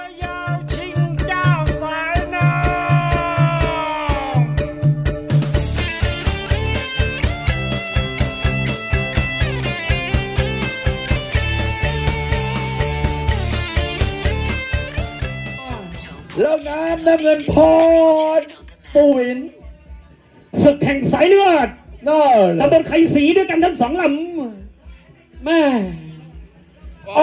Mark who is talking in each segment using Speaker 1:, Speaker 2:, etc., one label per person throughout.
Speaker 1: ยาวชิงเจ้าสายน้
Speaker 2: แล้วงานน้ำเงินพรปูวินศึกแห่งสายเลือดน่าตำบลไข่สีด้วยกันทั้งสองลำแม่อ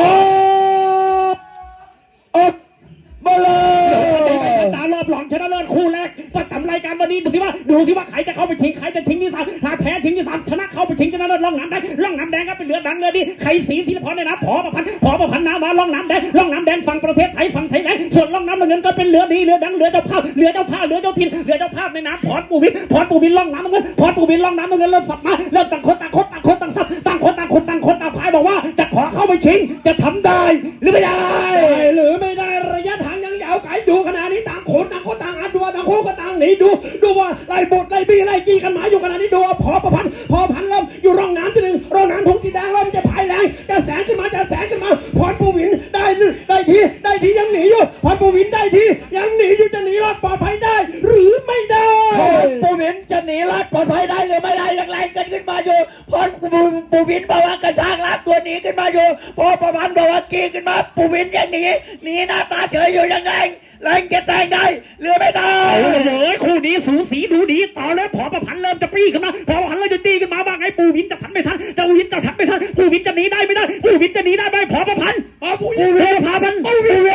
Speaker 2: อกมาเลยตารอบหลองชนะเลิศคู่แรกประจำรายการวันนี้ดูสิว่าใครจะเข้าไปชิงใครจะชิงที่สามถ้าแพ้ชิงที่สามชนะเข้าไปชิงชนะเลิศร่องน้ำได้ร่องน้ำแดงก็เป็นเหลือดังเลยดิไข่สีศิลปะเนี่ยนะผอประพันธ์น้ำมาร่องน้ำแดงฝั่งประเทศไทยฝั่งไทยไหนส่วนร่องน้ำเงินก็เป็นเหลือดีเหลือดังเหลือเจ้าภาพเหลือเจ้าภาพในน้ำพรปูวินร่องน้ำเงินพรปูวินร่องน้ำเงินเริ่มสับมาเริ่มต่างคนต่างซับต่างคนต่างพายบอกว่าจะขอเข้าไปชิงจะทำได้หรือไม่ได้ระยะทางยังยาวไกลดูขนาดนี้ต่างคนต่างอัดดูต่างคนก็ต่างหนีดูว่าไล่บดไล่บี้ไล่จี้กันหมายอยู่ขนาดนี้ดูพอพันเริ่มอยู่ร่องน้ำที่หนึ่งร่องน้ำทงสีแดงเริ่มจะพายแรงจะแสงขึ้นมาพรปูวินได้ทียังหนีอยู่พรปูวินได้ทียังหนีอยู่จะหนีรอดปลอดภัยได้หรือไม่ได้ปูวินจะหนีรอดปลอดภัยได้หรือไม่ได้แรงกันขึ้นมาอยู่พรปูวินบอกว่ากระชากลากตัวหนีขึ้นมาอยู่พอประพันธ์บอกว่ากีขึ้นมาปูวินยังหนีหน้าตาเฉยอยู่ยังไงแรงจะแตงได้หรือไม่ได้คู่นี้สูสีดูดีต่อแล้วพอประพันธ์เริ่มจะปรีขึ้นมาพอประพันธ์เริ่มจะตีขึ้นมาบ้างไงปูวินจะทันไม่ทันปูวินจะหนีได้ไม่ได้ปูวินจะหนีได้ไหมพอประพันธ์ปูวินพันธ์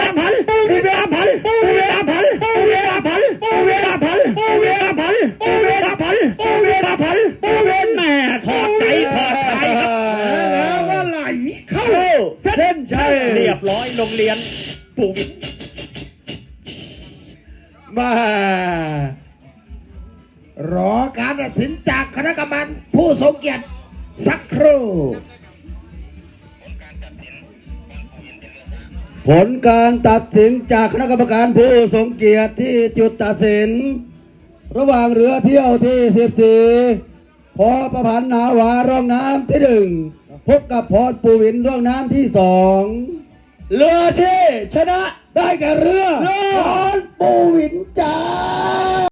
Speaker 2: แม่ถอดใจแล้วก็ไหลเข้าเส้นชัยเรียบร้อยโรงเรียนปูวินมารอการตัดสินจากคณะกรรมการผู้ทรงเกียรติสักครู่ผลการตัดสินจากคณะกรรมการผู้ทรงเกียรติที่จุดตัดสินระหว่างเรือเที่ยวที่14พอประพันธ์นาวาร่องน้ำที่1พบกับพรปูวินร่องน้ำที่2เรือที่ชนะได้แก่เรือพรปูวินจ้า